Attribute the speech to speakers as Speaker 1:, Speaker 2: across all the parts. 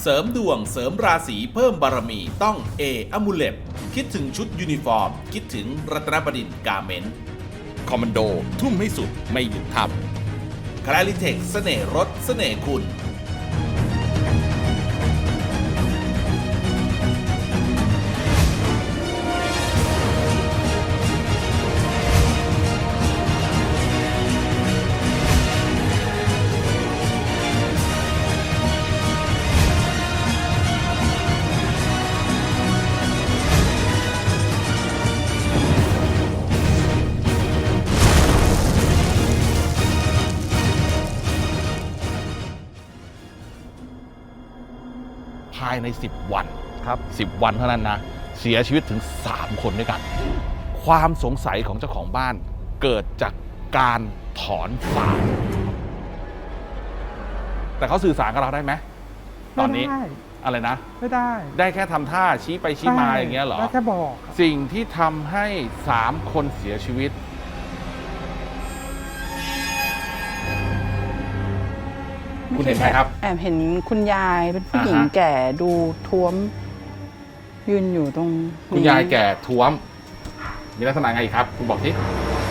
Speaker 1: เสริมดวงเสริมราศีเพิ่มบารมีต้องเออมูเลตคิดถึงชุดยูนิฟอร์มคิดถึงรัตนบดินทร์กาเมนต์คอมมานโดทุ่มให้สุดไม่หยุดทำคลาริเทคเสน่ห์รถเสน่ห์คุณภายใน10 วันครับ10 วันเท่านั้นนะเสียชีวิตถึง3 คนด้วยกันความสงสัยของเจ้าของบ้านเกิดจากการถอนศาลแต่เขาสื่อสารกับเราได้ไหมตอนนี้อะไรนะ
Speaker 2: ไม่ได้
Speaker 1: แค่ทำท่าชี้ไปชี้มาอย่างเงี้ยเหรอ
Speaker 2: ได้แค่บอก
Speaker 1: สิ่งที่ทำให้3 คนเสียชีวิตคุณเห็นไหมครับ
Speaker 3: แอบเห็นคุณยายเป็นผู้หญิงแก่ดูท้วมยืนอยู่ตรง
Speaker 1: คุณยายแก่ท้วมมีลักษณะไงครับคุณบอกที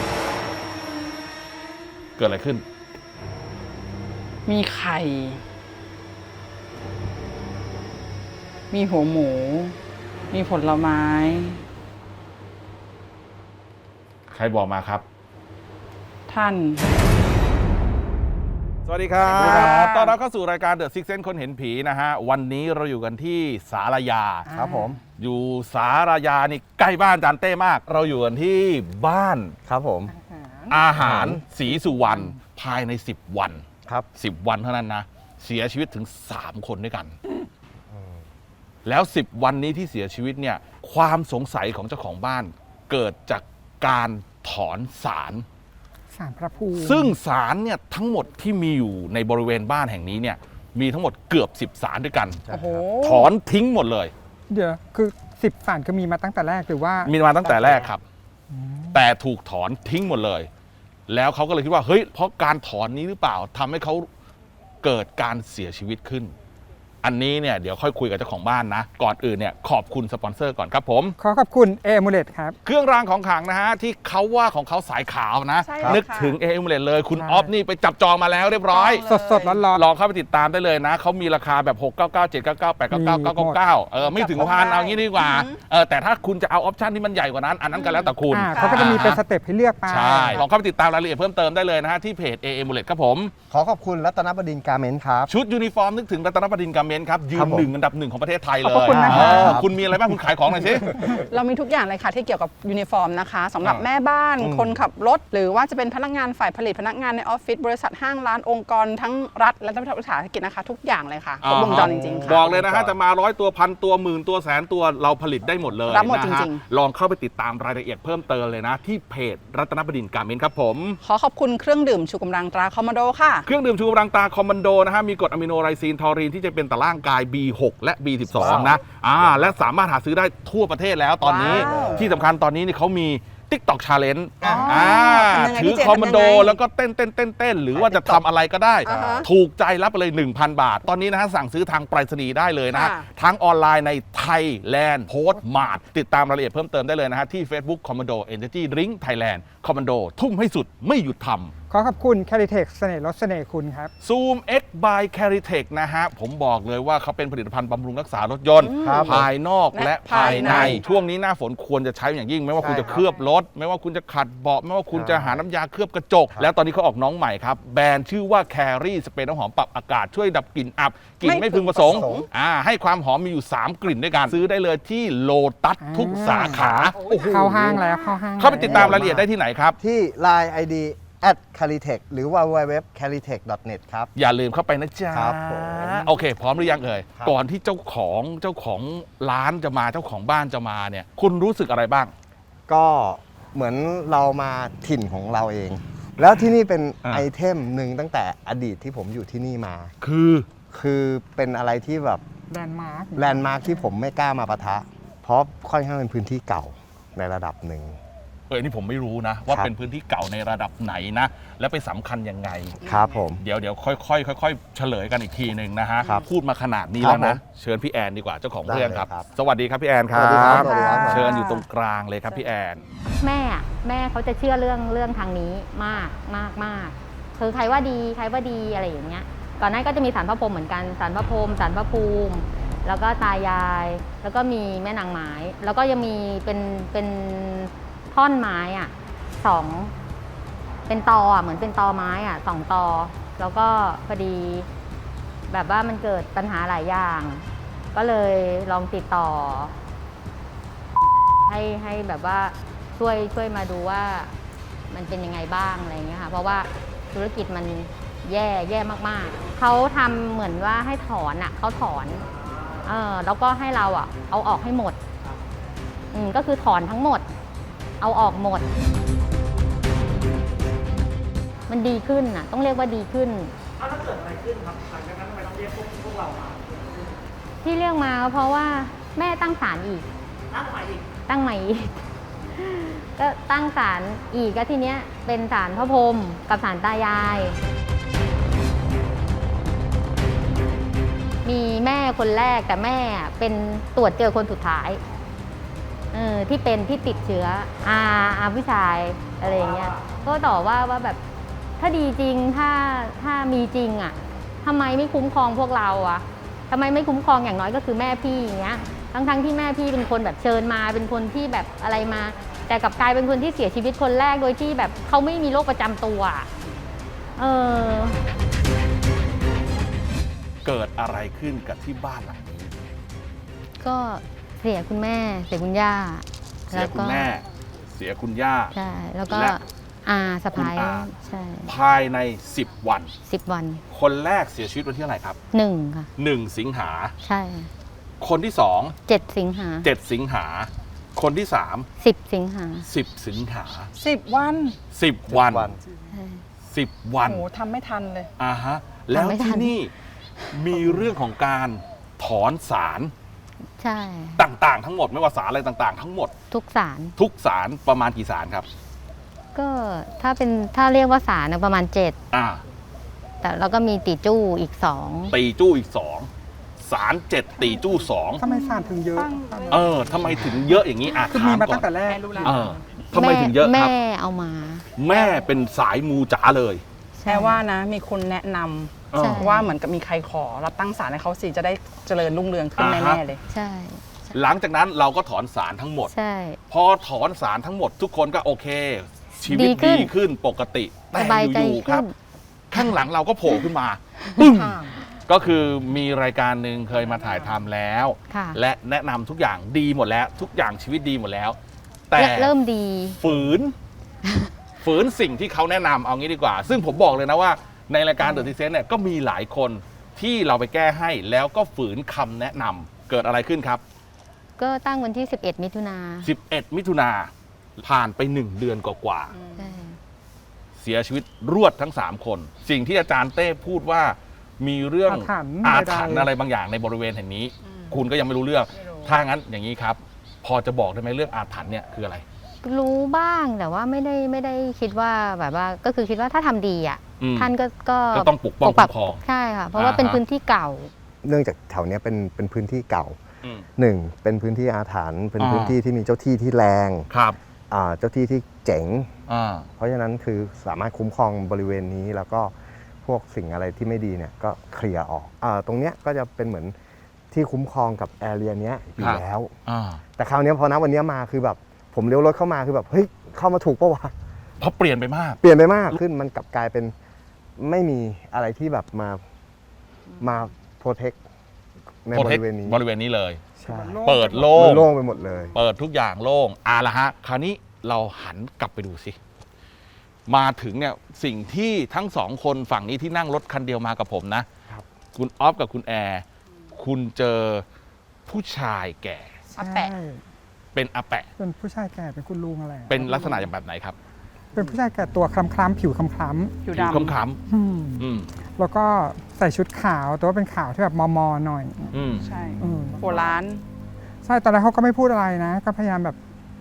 Speaker 1: เกิดอะไรขึ้น
Speaker 3: มีไข่มีหัวหมูมีผลไม้
Speaker 1: ใครบอกมาครับ
Speaker 3: ท่าน
Speaker 1: สวัสดีครับต้อนรับเข้าสู่รายการ The Six Sense คนเห็นผีนะฮะวันนี้เราอยู่กันที่ศาลายา
Speaker 2: ครับผม
Speaker 1: อยู่ศาลายานี่ใกล้บ้านอาจารย์เต้มากเราอยู่กันที่บ้าน
Speaker 2: ครับผม
Speaker 1: อาหารศรีสุวรรณภายใน10 วัน
Speaker 2: ครับ
Speaker 1: 10 วันเท่านั้นนะเสียชีวิตถึง3 คนด้วยกันแล้ว10 วันนี้ที่เสียชีวิตเนี่ยความสงสัยของเจ้าของบ้านเกิดจากการถอนศาล
Speaker 2: พระภูมิ
Speaker 1: ซึ่งศาลเนี่ยทั้งหมดที่มีอยู่ในบริเวณบ้านแห่งนี้เนี่ยมีทั้งหมดเกือบ10 ศาลด้วยกันถอนทิ้งหมดเลย
Speaker 2: เดี๋ยวคือ10 ศาลก็มีมาตั้งแต่แรกหรือว่า
Speaker 1: มีมาตั้งแต่แรกครับแต่ถูกถอนทิ้งหมดเลยแล้วเขาก็เลยคิดว่าเฮ้ยเพราะการถอนนี้หรือเปล่าทำให้เขาเกิดการเสียชีวิตขึ้นอันนี้เนี่ยเดี๋ยวค่อยคุยกับเจ้าของบ้านนะก่อนอื่นเนี่ยขอบคุณสปอนเซอร์ก่อนครับผม
Speaker 2: ขอบคุณเอมูเลตครับ
Speaker 1: เครื่องรางของขลังนะฮะที่เขาว่าของเขาสายขาวนะนึกถึงเอมูเลตเลยคุณออฟนี่ไปจับจองมาแล้วเรียบร้อย
Speaker 2: สดร้อน
Speaker 1: ลองเข้าไปติดตามได้เลยนะเขามีราคาแบบ699 799 899 999ไม่ถึงพันเอางี้ดีกว่าแต่ถ้าคุณจะเอาออปชั่นที่มันใหญ่กว่านั้นอันนั้นก็แล้วแต่คุณ
Speaker 2: เขาก็จะมีเป็นสเต็ปให้เลือกไป
Speaker 1: ใช่ลองเข้าไปติดตามรายละเอียดเพิ่มเติมได้เลยนะฮะที่เพจเอมูเลตครับผม
Speaker 4: ขอบคุณรัตนบดินทร์กาเมนต์ครับ
Speaker 1: ชุดยูนิฟอร์มนึกถึงรัตนบดินทร์กาเมนต์ครับยืน1 อันดับ 1ของประเทศไทยเลย คุณมีอะไรบ้างคุณขายของหน่อยสิ
Speaker 3: เรามีทุกอย่างเลยค่ะที่เกี่ยวกับยูนิฟอร์มนะคะสำหรับแม่บ้านคนขับรถหรือว่าจะเป็นพนักงานฝ่ายผลิตพนักงานในออฟฟิศบริษัทห้างร้านองค์กรทั้งรัฐและรัฐวิสาหกิจนะคะทุกอย่างเลยค่ะครบวงจรจริงๆค่ะ
Speaker 1: บอกเลยนะฮะจะมา100 ตัวพันตัวหมื่นตัวแสนตัวเราผลิตได้หมดเลย
Speaker 3: รับหมดจริง
Speaker 1: ๆลองเข้าไปติดตามรายละเอียดเพิ่มเติมเลยนะที่เพจรัตนบดินทร์กาเมนต์ครับผม
Speaker 3: ขอบคุณเครื่องดื่มชูกำลังตราคอมมานโดค่ะ
Speaker 1: เครื่องดื่มชูกำลังตราคอมมานโดนะฮะมีกรดอะมิโนไรซีนทอรีนที่จะเป็นต่อร่างกาย B6 และ B12 นะและสามารถหาซื้อได้ทั่วประเทศแล้วตอนนี้ที่สำคัญตอนนี้นี่เขามี TikTok Challenge ถือคอมมานโดแล้วก็เต้นหรือว่าจะทำอะไรก็ได้ถูกใจรับไปเลย 1,000 บาทตอนนี้นะฮะสั่งซื้อทางไปรษณีย์ได้เลยนะทั้งออนไลน์ใน Thailand Post Mart ติดตามรายละเอียดเพิ่มเติมได้เลยนะฮะที่ Facebook Commando Energy Drink Thailand Commando ทุ่มให้สุดไม่หยุดทำ
Speaker 2: ขอบคุณ Caritech เสน่ห์รถเสน่ห์คุณครับ
Speaker 1: Zoom X by Caritech นะฮะผมบอกเลยว่าเขาเป็นผลิตภัณฑ์บำรุงรักษารถยนต์ภายนอกและภายในช่วงนี้หน้าฝนควรจะใช้อย่างยิ่งไม่ว่าคุณจะเคลือบรถไม่ว่าคุณจะขัดเบาะไม่ว่าคุณจะหาน้ำยาเคลือบกระจกแล้วตอนนี้เขาออกน้องใหม่ครับแบรนด์ชื่อว่า Carry สเปรย์น้ำหอมปรับอากาศช่วยดับกลิ่นอับกลิ่นไม่พึงประสงค์ให้ความหอมมีอยู่3 กลิ่นด้วยกันซื้อได้เลยที่โลตัสทุกสาขา
Speaker 2: เข้าห้างแล้ว
Speaker 1: เข้าไปติดตามรายละเอียดได้ที่ไหนครับ
Speaker 4: ที่ Line ID @caritech หรือว่า www.caritech.net ครับ
Speaker 1: อย่าลืมเข้าไปนะจ๊ะ
Speaker 4: ครับผม
Speaker 1: โอเคพร้อมหรือยังเอ่ยก่อนที่เจ้าของร้านจะมาเจ้าของบ้านจะมาเนี่ยคุณรู้สึกอะไรบ้าง
Speaker 4: ก็เหมือนเรามาถิ่นของเราเองแล้วที่นี่เป็นไอเทมหนึ่งตั้งแต่อดีตที่ผมอยู่ที่นี่มาคือเป็นอะไรที่แบบ
Speaker 2: แลนด์มาร์ค
Speaker 4: ที่ผมไม่กล้ามาปะทะเพราะค่อนข้างเป็นพื้นที่เก่าในระดับหนึ่ง
Speaker 1: นี่ผมไม่รู้นะ ว่า
Speaker 4: ครับ
Speaker 1: เป็นพื้นที่เก่าในระดับไหนนะ และไปสำคัญยังไง
Speaker 4: ครับผม
Speaker 1: เดี๋ยวค่อยๆเฉลยกันอีกทีหนึ่งนะฮะ
Speaker 4: ครับ
Speaker 1: พูดมาขนาดนี้
Speaker 4: ครับ
Speaker 1: แล้วนะ
Speaker 4: ผม
Speaker 1: เชิญพี่แอนดีกว่าเจ้าของเรื่องครับ
Speaker 4: ได้เลยครับ
Speaker 1: สวัสดีครับพี่แอนครั
Speaker 4: สวัสดีครับ
Speaker 1: บ
Speaker 4: สวัสดีครับ
Speaker 1: เชิญอยู่ตรงกลางเลยครับพี่แอน
Speaker 5: แม่เขาจะเชื่อเรื่องทางนี้มากคือใครว่าดีอะไรอย่างเงี้ยก่อนหน้าก็จะมีศาลพระพรหมเหมือนกันศาลพระพรหมศาลพระภูมิ แล้วก็ตายาย แล้วก็มีแม่นางไม้แล้วก็ยังมีเป็นท่อนไม้อ่ะ2เป็นตออ่ะเหมือนเป็นตอไม้อ่ะ2 ตอ แล้วก็พอดีแบบว่ามันเกิดปัญหาหลายอย่าง ก็เลยลองติดต่อ ให้แบบว่าช่วยมาดูว่ามันเป็นยังไงบ้างอะไรเงี้ยค่ะเพราะว่าธุรกิจมันแย่มากๆเขาทำเหมือนว่าให้ถอนอ่ะเขาถอนแล้วก็ให้เราอ่ะเอาออกให้หมดก็คือถอนทั้งหมด เอาออกหมด มันดีขึ้นอ่ะต้องเรียกว่าดีขึ้นแล้วเกิดอะไรขึ้นครับหลังจากนั้นทำไมต้องเรียกพวกเรามาที่เรียกมาเพราะว่าแม่ตั้งศาลอีกตั้งใหม่อีกก็ตั้งศาลอีกก็ทีเนี้ยเป็นศาลพระพรหมกับศาลตายาย มีแม่คนแรกแต่แม่เป็นตรวจเจอคนสุดท้ายที่ติดเชื้อผู้ชายอะไรอย่างเงี้ยก็ต่อว่าแบบถ้าดีจริงถ้ามีจริงอ่ะทำไมไม่คุ้มครองพวกเราอ่ะทำไมไม่คุ้มครองอย่างน้อยก็คือแม่พี่อย่างเงี้ยทั้งที่แม่พี่เป็นคนแบบเชิญมาเป็นคนที่แบบอะไรมาแต่กลับกลายเป็นคนที่เสียชีวิตคนแรกโดยที่แบบเขาไม่มีโรคประจำตัว
Speaker 1: เกิดอะไรขึ้นกับที่บ้านหลังนี้
Speaker 5: ก็เสียคุณแม่เสียคุณย่า
Speaker 1: เสียคุณแม่เสียคุณย่า
Speaker 5: ใช่แล้วก็
Speaker 1: และ
Speaker 5: สะพ้าย
Speaker 1: คุณอา
Speaker 5: ใช่
Speaker 1: ภายใน10 วัน
Speaker 5: 10 วัน
Speaker 1: คนแรกเสียชีวิตวันที่เท่าไหร่ครับ
Speaker 5: 1ค่ะ
Speaker 1: 1 สิงหา
Speaker 5: ใช่
Speaker 1: คนที่
Speaker 5: 7 สิงหา
Speaker 1: 2 7 สิงหา คนที่
Speaker 5: 10 สิงหา
Speaker 1: 3 10 สิงหา
Speaker 3: 10 วัน
Speaker 1: 10 วัน
Speaker 5: ใช่
Speaker 1: 10 วัน
Speaker 3: โอ้โหทำไม่ทันเลย
Speaker 1: ฮะแล้ว
Speaker 5: ไม่ทั
Speaker 1: ที่
Speaker 5: น
Speaker 1: นี่มีเรื่องของการถอนสาร
Speaker 5: ใช่
Speaker 1: ต่างๆ ทั้งหมดไม่ว่าสารอะไรต่างๆ ทั้งหมด
Speaker 5: ทุกศาล
Speaker 1: ทุกสารประมาณกี่สารครับ
Speaker 5: ก็ถ้าเรียกว่าศาลนะประมาณ
Speaker 1: อ่า
Speaker 5: 7 แต่แล้วก็มีติจู้อีก 2
Speaker 1: ตีจู้อีก 2 สาร 7 ตีจู้
Speaker 2: ทำไมศาลถึงเยอะ
Speaker 1: 2ทำไมถึงเยอะอย่างนี้อ่ะ
Speaker 2: คือ
Speaker 1: ถา
Speaker 2: มี
Speaker 1: ม
Speaker 2: มา
Speaker 1: ก่อ
Speaker 2: ตั้
Speaker 1: น
Speaker 2: งแต่แรก
Speaker 1: ทำไมถึงเยอะครับ
Speaker 5: แม่เอามา
Speaker 1: แม่เป็นสายมูจ๋าเลย
Speaker 3: แค่ว่านะมีคนแนะน
Speaker 1: เออ
Speaker 5: ใช่
Speaker 3: ำว่าเหมือนกับมีใครขอรับตั้งศาลให้เขาสิจะได้เจริญรุ่งเรืองขึ้น
Speaker 1: อ่าฮะ
Speaker 3: แน่ๆเลย
Speaker 5: ใช่
Speaker 1: หลังจากนั้นเราก็ถอนสารทั้งหมด
Speaker 5: ใช่
Speaker 1: พอถอนสารทั้งหมดทุกคนก็โอเค ชีวิต
Speaker 5: ดีขึ้น
Speaker 1: ดีขึ้นปกติแต่
Speaker 5: สบายใจ
Speaker 1: อยู่ๆครับ
Speaker 5: ขึ้น
Speaker 1: ข้างหลังเราก็โผล่ขึ้นมาปึ้งก็คือมีรายการหนึ่งเคยมาถ่ายทำแล้ว
Speaker 5: ค่ะ
Speaker 1: และแนะนำทุกอย่างดีหมดแล้ว ทุกอย่างชีวิตดีหมดแล้ว แต่
Speaker 5: เริ่มดี
Speaker 1: ฝืน ฝืนสิ่งที่เขาแนะนำเอางี้ดีกว่า ซึ่งผมบอกเลยนะว่าในรายการ The Descent เนี่ยก็มีหลายคนที่เราไปแก้ให้แล้วก็ฝืนคำแนะนำเกิดอะไรขึ้นครับ
Speaker 5: ก็ตั้งวันที่ 11 มิถุนา
Speaker 1: 11 มิถุนาผ่านไป 1 เดือนกว่า
Speaker 5: ใช่
Speaker 1: ๆเสียชีวิตรวดทั้ง 3 คน สิ่งที่อาจารย์เต้พูดว่ามีเรื่อง
Speaker 2: อาถรรพ์
Speaker 1: อาถรรพ์อะไรบางอย่างในบริเวณแห่งนี้ คุณก็ยังไม่รู้เรื่อง ถ้างั้นอย่างนี้ครับ พอจะบอกได้ไหมเรื่องอาถรรพ์เนี่ยคืออะไร
Speaker 5: รู้บ้างแต่ว่าไม่ได้คิดว่าแบบว่าก็คือคิดว่าถ้าทำดีอ่ะ
Speaker 1: อืม
Speaker 5: ท่านก็
Speaker 1: ก็ต้องปกป้องคุ้มครอง
Speaker 5: ใช่ค่ะ เพราะว่าเป็นพื้นที่เก่า
Speaker 4: เนื่องจากแถวเนี้ยเป็นพื้นที่เก่า
Speaker 1: อืม
Speaker 4: หนึ่งเป็นพื้นที่อาถรรพ์เป็น
Speaker 1: อ่า
Speaker 4: พื้นที่ที่มีเจ้าที่ที่แรง
Speaker 1: ครับ
Speaker 4: เจ้าที่ที่เจ๋ง
Speaker 1: อ่า
Speaker 4: เพราะฉะนั้นคือสามารถคุ้มครองบริเวณนี้แล้วก็พวกสิ่งอะไรที่ไม่ดีเนี่ยก็เคลียร์ออกตรงเนี้ยก็จะเป็นเหมือนที่คุ้มครองกับแอเรียเนี้ยอยู่
Speaker 1: ครับ
Speaker 4: แล้ว
Speaker 1: อ่า
Speaker 4: แต่คราวเนี้ยพอณวันเนี้ยมาคือแบบผมเลี้ยวรถเข้ามาคือแบบเฮ้ยเข้ามาถูกปะวะ
Speaker 1: เพราะเปลี่ยนไปมาก
Speaker 4: เปลี่ยนไปมากขึ้นมันกลับกลายเป็นไม่มีอะไรที่แบบมาโปรเทคในบริเวณนี้
Speaker 1: บริเวณนี้เลย
Speaker 4: ใช่
Speaker 1: เปิดโล่
Speaker 4: มัน
Speaker 1: ง
Speaker 4: โล่งไปหมดเลย
Speaker 1: เปิดทุกอย่างโล่งละฮะ คราวนี้เราหันกลับไปดูสิ มาถึงเนี่ยสิ่งที่ทั้งสองคนฝั่งนี้ที่นั่งรถคันเดียวมากับผมนะ
Speaker 4: ครับ
Speaker 1: คุณออฟกับคุณแอร์ คุณเจอผู้ชายแก่
Speaker 3: อาแปะ
Speaker 2: ใช่
Speaker 1: เป็นอาแปะ
Speaker 2: เป็นผู้ชายแก่เป็นคุณลุงอะไรอะ
Speaker 1: เป็นลักษณะอย่างแบบไหนครับ
Speaker 2: เป็นผู้ชายแก่ตัวคล้ำๆผิวคล้ำ
Speaker 3: ผิว
Speaker 1: ผิว
Speaker 3: ดำ
Speaker 1: คล้
Speaker 2: ๆอืม
Speaker 1: ำอืม
Speaker 2: แล้วก็ใส่ชุดขาวแต่ว่าเป็นขาวที่แบบมอๆหน่อย
Speaker 1: อืม
Speaker 3: ใช่
Speaker 2: อืม
Speaker 3: โบราณ
Speaker 2: ใช่ตอนแรกเขาก็ไม่พูดอะไรนะ ก็พยายามแบบพ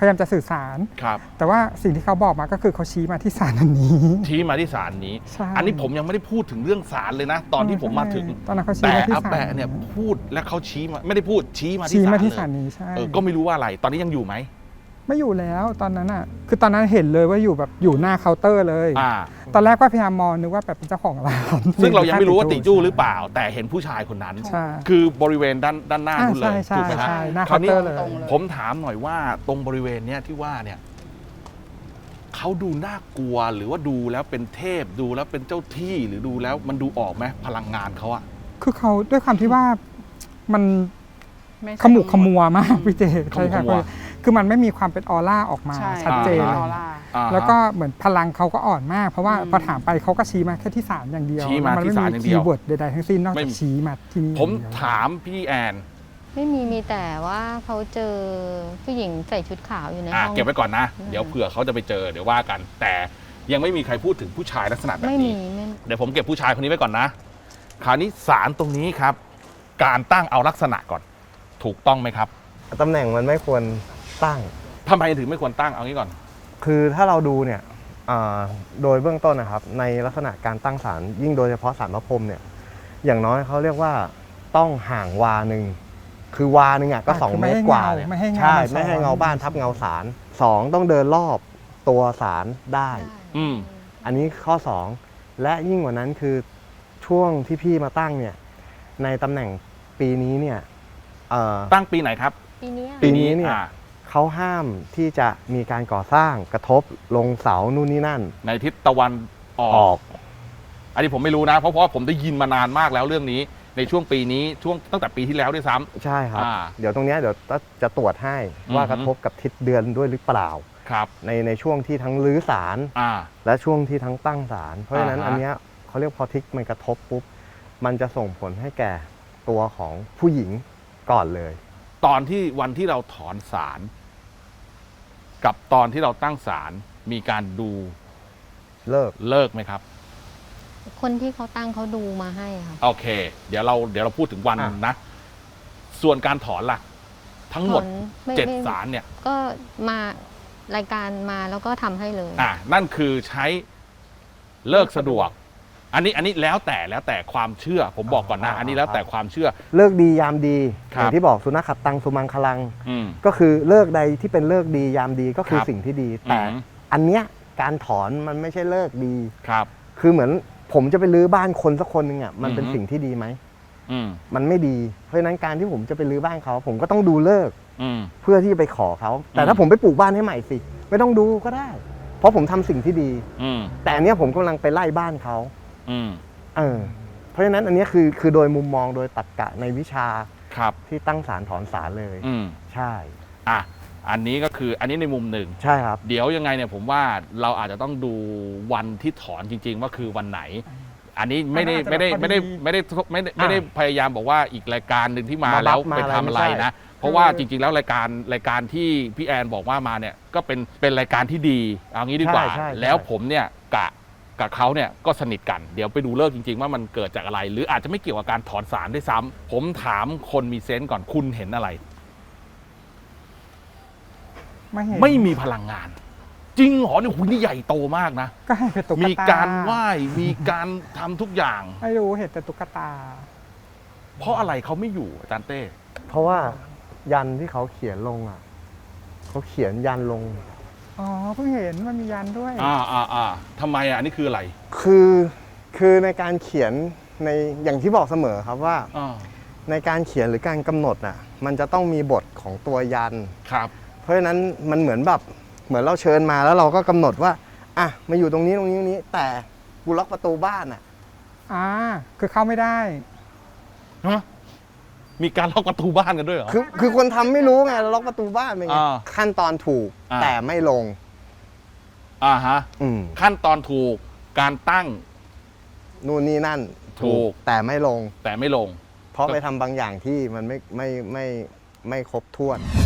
Speaker 2: พยายามจะสื่อสาร
Speaker 1: ครับ
Speaker 2: แต่ว่าสิ่งที่เขาบอกมาก็คือเขาชี้มาที่ศาลอันนี้
Speaker 1: ชี้มาที่ศาลนี้
Speaker 2: ใช่
Speaker 1: อันนี้ผมยังไม่ได้พูดถึงเรื่องศาลเลยนะ ตอนที่ผมมาถึง
Speaker 2: ตอนนั้นเขาชี้
Speaker 1: แต่
Speaker 2: มาที่
Speaker 1: อา
Speaker 2: ศาล
Speaker 1: แปะเนี่ยพูดและเขาชี้มาไม่ได้พูดชี้มาที่
Speaker 2: ชี้
Speaker 1: ศาล
Speaker 2: มาที่
Speaker 1: เลย
Speaker 2: ศาลนี้ใช่
Speaker 1: ก็ไม่รู้ว่าอะไร ตอนนี้ยังอยู่ไหม
Speaker 2: ไม่อยู่แล้วตอนนั้นอ่ะคือตอนนั้นเห็นเลยว่าอยู่แบบอยู่หน้าเคาน์เตอร์เลย
Speaker 1: อ่า
Speaker 2: ตอนแรกก็พยายามมองนึกว่าแบบเป็นเจ้าของร้าน
Speaker 1: ซึ่งเรายังไม่รู้ว่าติจู้หรือเปล่า แต่เห็นผู้ชายคนนั้น
Speaker 2: ใช่
Speaker 1: คือบริเวณด้านหน้านู่นเลย
Speaker 2: ใช่
Speaker 1: ถูกไหมฮะ
Speaker 2: ใช่หน้า
Speaker 1: คราวนี้
Speaker 2: เคาน์เตอร์เลย
Speaker 3: ตรงเลย
Speaker 1: ผมถามหน่อยว่าตรงบริเวณเนี้ยที่ว่าเนี่ยเขาดูน่ากลัวหรือว่าดูแล้วเป็นเทพดูแล้วเป็นเจ้าที่หรือดูแล้วมันดูออกไหมพลังงานเขาอะ
Speaker 2: คือเขาด้วยความที่ว่ามัน
Speaker 3: ไม่ใช่
Speaker 2: ขมุกขมัวมากพี่เจ
Speaker 1: ขมุกขมัว
Speaker 2: คือมันไม่มีความเป็นออร่าออกมา
Speaker 3: ใช่
Speaker 2: ชัดเจน
Speaker 3: อ
Speaker 2: เลย
Speaker 3: อร่า
Speaker 1: อ่าฮะ
Speaker 2: แล้วก็เหมือนพลังเขาก็อ่อนมาก เพราะว่า
Speaker 3: อืม
Speaker 2: พอถามไปเขาก็ชี้มาแค่ที่ศาลอย่างเดียว
Speaker 1: ชี้มาที่ศาลอย่างเดียว
Speaker 2: คีย์เวิร์ดใดๆทั้งสิ้นนอก
Speaker 1: ไม่
Speaker 2: จาก
Speaker 1: มี
Speaker 2: ชี้มาที่นี่
Speaker 1: ผม
Speaker 2: อย่างเดียว
Speaker 1: ถามพี่แอน
Speaker 5: ไม่มีแต่ว่าเขาเจอผู้หญิงใส่ชุดขาวอยู่ใน
Speaker 1: อ่ะ
Speaker 5: ห้อง
Speaker 1: เก็บไว้ก่อนนะ
Speaker 5: อืม
Speaker 1: เดี๋ยวเผื่อเขาจะไปเจอเดี๋ยวว่ากัน แต่ยังไม่มีใครพูดถึงผู้ชายลักษณะแบบ
Speaker 5: ไม่มี
Speaker 1: นี้
Speaker 5: ไม่
Speaker 1: เดี๋ยวผมเก็บผู้ชายคนนี้ไว้ก่อนนะ คราวนี้ศาลตรงนี้ครับ การตั้งเอาลักษณะก่อน ถูกต้องไหมครับ
Speaker 4: ตำแหน่งมันไม่ควรตั้ง
Speaker 1: ทำไมถึงไม่ควรตั้งเอางี้ก่อน
Speaker 4: คือถ้าเราดูเนี่ยโดยเบื้องต้นนะครับ ในลักษณะการตั้งศาลยิ่งโดยเฉพาะศาลพระพรหมเนี่ยอย่างน้อยเขาเรียกว่าต้องห่างวาหนึ่งคือวาหนึ่งอ่ะก็ 2 เมตรกว่าเนี่ย
Speaker 2: ไม่ให้เงา
Speaker 4: ใช่
Speaker 2: นซ้อน
Speaker 4: ไม่ให้เงาบ้านทับเงาศาล2ต้องเดินรอบตัวศาลได้
Speaker 1: อืม
Speaker 4: อันนี้ข้อ 2 และยิ่งกว่านั้นคือช่วงที่พี่มาตั้งเนี่ยในตำแหน่งปีนี้เนี่ย
Speaker 1: ตั้งปีไหนครับ
Speaker 5: ปีเนี้ย
Speaker 4: ปีนี้เนี่ย
Speaker 1: อ่า
Speaker 4: เขาห้ามที่จะมีการก่อสร้างกระทบลงเสานู่นนี่นั่น
Speaker 1: ในทิศตะวันอ
Speaker 4: อ
Speaker 1: อ
Speaker 4: อก ก
Speaker 1: อันนี้ผมไม่รู้นะ เพราะว่าผมได้ยินมานานมากแล้วเรื่องนี้ ในช่วงปีนี้ช่วงตั้งแต่ปีที่แล้วด้วยซ้ำ
Speaker 4: ใช่ครับ
Speaker 1: อ่า
Speaker 4: เดี๋ยวตรงเนี้ยเดี๋ยวจะตรวจให้ว่า
Speaker 1: อือฮึ
Speaker 4: กระทบกับทิศเดือนด้วยหรือเปล่า
Speaker 1: ครับ
Speaker 4: ในช่วงที่ทั้งรื้อศาล
Speaker 1: อ่า
Speaker 4: และช่วงที่ทั้งตั้งศาลเพราะฉะนั้น
Speaker 1: อ่าฮะ
Speaker 4: อันเนี้ยเขาเรียกพอทิศมันกระทบปุ๊บมันจะส่งผลให้แก่ตัวของผู้หญิงก่อนเลย
Speaker 1: ตอนที่วันที่เราถอนศาลกับตอนที่เราตั้งศาลมีการดู
Speaker 4: เลิก
Speaker 1: เลิกไหมครับ
Speaker 5: คนที่เขาตั้งเขาดูมาให้ค่ะ
Speaker 1: โอเค เดี๋ยวเราพูดถึงวัน
Speaker 4: อ่ะ
Speaker 1: นะ ส่วนการถอนล่ะ ทั้งหมด
Speaker 5: ถอนไม่
Speaker 1: 7
Speaker 5: ไม่
Speaker 1: ศาลเนี่ย
Speaker 5: ก็มารายการมาแล้วก็ทำให้เลย
Speaker 1: นั่นคือใช้เลิกสะดวก อันนี้แล้วแต่ความเชื่อ ผมบอกก่อนนะ อันนี้แล้วแต่ความเชื่อ
Speaker 4: เลิกดียามดี
Speaker 1: ครับ
Speaker 4: อย่างที่บอกสุนัขขัดตังสุมังคลัง
Speaker 1: อืม
Speaker 4: ก็คือเลิกใดที่เป็นเลิกดียามดีก็คือ
Speaker 1: ครับ
Speaker 4: สิ่งที่ดี แต่
Speaker 1: อืม
Speaker 4: อันเนี้ยการถอนมันไม่ใช่เลิกดี
Speaker 1: ครับ
Speaker 4: คือเหมือนผมจะไปรื้อบ้านคนสักคนหนึ่งอ่ะมันเป็น
Speaker 1: อือฮึ
Speaker 4: สิ่งที่ดีไหม
Speaker 1: อืม
Speaker 4: มันไม่ดี เพราะฉะนั้นการที่ผมจะไปรื้อบ้านเขาผมก็ต้องดูเลิก
Speaker 1: อืม
Speaker 4: เพื่อที่จะไปขอเขา แต่
Speaker 1: อืม
Speaker 4: ถ้าผมไปปลูกบ้านให้ใหม่สิไม่ต้องดูก็ได้ เพราะผมทำสิ่งที่ดี
Speaker 1: อืม
Speaker 4: แต่อันเนี้ยผมกำลังไปไล่บ้านเขา
Speaker 1: อืม
Speaker 4: เพราะฉะนั้นอันเนี้ยคือโดยมุมมองโดยตรรกะในวิชา
Speaker 1: ครับ
Speaker 4: ที่ตั้งศาลถอนศาลเลย
Speaker 1: อืม
Speaker 4: ใช่
Speaker 1: อ่ะอันนี้ก็คืออันนี้ในมุมหนึ่ง
Speaker 4: ใช่ครับ
Speaker 1: เดี๋ยวยังไงเนี่ยผมว่าเราอาจจะต้องดูวันที่ถอนจริง ๆ ว่าคือวันไหน อันนี้ไม่ได้พยายามบอกว่าอีกรายการหนึ่งที่มา
Speaker 4: มา
Speaker 1: แล้ว
Speaker 4: มา
Speaker 1: ไปทำอะไร
Speaker 4: ไม่ใช่
Speaker 1: นะ เพราะว่าจริง ๆ แล้วรายการที่พี่แอนบอกว่ามาเนี่ยก็เป็นรายการที่ดีเอางี้ดีกว่า
Speaker 4: ใช่
Speaker 1: แล้วผมเนี่ยกับเขาเนี่ยก็สนิทกันเดี๋ยวไปดูเลิกจริง ๆ ว่ามันเกิดจากอะไร หรืออาจจะไม่เกี่ยวกับการถอนสารด้วยซ้ำผมถามคนมีเซนส์ก่อนคุณเห็นอะไร
Speaker 2: ไม่เห็น
Speaker 1: ไม่มีพลังงาน จริงเหรอเนี่ยคุณนี่ใหญ่โตมากนะ
Speaker 2: ก็ให้เป็นตุ๊กตา
Speaker 1: มี
Speaker 2: มี
Speaker 1: การไหว้มีการทำทุกอย่าง
Speaker 2: ไม่รู้เห็นแต่ตุ๊กตา
Speaker 1: เพราะอะไรเขาไม่อยู่อาจารย์เต้
Speaker 4: เพราะว่ายันที่เขาเขียนลงอ่ะเขาเขียนยันลง
Speaker 2: อ๋อเพิ่งเห็นมันมียันด้วย
Speaker 1: ทำไมอันนี้คืออะไร
Speaker 4: คือในการเขียนในอย่างที่บอกเสมอครับว่า
Speaker 1: อ่า
Speaker 4: ในการเขียนหรือการกำหนดน่ะมันจะต้องมีบทของตัวยัน
Speaker 1: ครับ
Speaker 4: เพราะฉะนั้นมันเหมือนแบบเหมือนเราเชิญมาแล้วเราก็กำหนดว่าอ่ะมาอยู่ตรงนี้แต่กูล็อกประตูบ้านอ่ะ
Speaker 2: คือเข้าไม่ได้
Speaker 1: ฮะ มีการล็อกประตูบ้านกันด้วยเหรอ
Speaker 4: คือคนทำไม่รู้ไงล็อกประตูบ้านเป็นไง
Speaker 1: อ่า
Speaker 4: ขั้นตอนถูก
Speaker 1: อ่า
Speaker 4: แต่ไม่ลง
Speaker 1: ฮะ
Speaker 4: อืม
Speaker 1: ขั้นตอนถูก การตั้ง
Speaker 4: นู่นนี่นั่น
Speaker 1: ถูก
Speaker 4: แต่ไม่ลง
Speaker 1: แต่ไม่ลง
Speaker 4: เพราะไปทำบางอย่างที่มันไม่ครบถ้วน